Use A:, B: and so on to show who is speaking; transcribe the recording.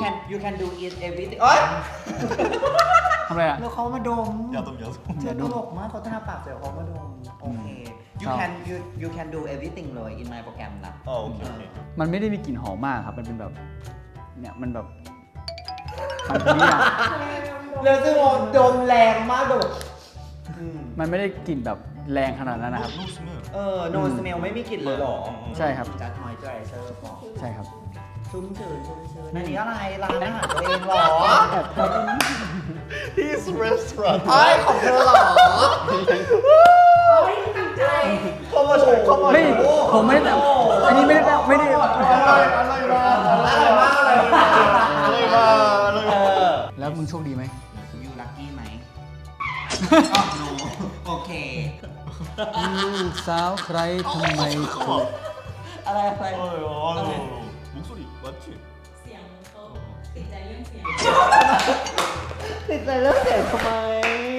A: you can do it everything เอ้ย
B: ทำอะไรอ่ะ
A: แล้วเขามาดม
C: 야돔 야돔
A: เจอตลกมากเขาทาปากเสร็จเขามาดมโอเค you can do everything เลย in my program นะ
C: 아 오케이 오케이
B: มันไม่ได้มีกลิ่นหอมมากครับ มันเป็นแบบ เนี่ยมันแบบมันเป็นเนี่ย
A: แล้วซึ่งดมแรงมากดม
B: มันไม่ได้กลิ่นแบบแรงขนาดนั้นนะครับ
C: 노 스멜
A: no smell ไม่มีกลิ่นเลยเหรอ
B: ใช่ครับ
A: จัด moisturizer พอ
B: ใช่ครับ
A: ชุ่มชื้นอันนี้อะไรร้านอาหารตัวเองเหรอ
C: His restaurant
A: ไอ้ของเธอเหรอ
D: ตั้งใจ
A: เข้ามาชมเข้ามา
B: ไม่ ผมไม่ได้อันนี้ไม่ได้
A: อร่อยมากเลย
B: แล้วมึงโชคดีไหม
A: ยูลัคกี้ไหมno โอเค
B: ลูกสาวใครทำไมถูก
A: อะไร
C: 목소리 맞지?
D: เสียงเขาติดใจเรื่องเสียง
A: ติดใจเรื่องเสียงทำไม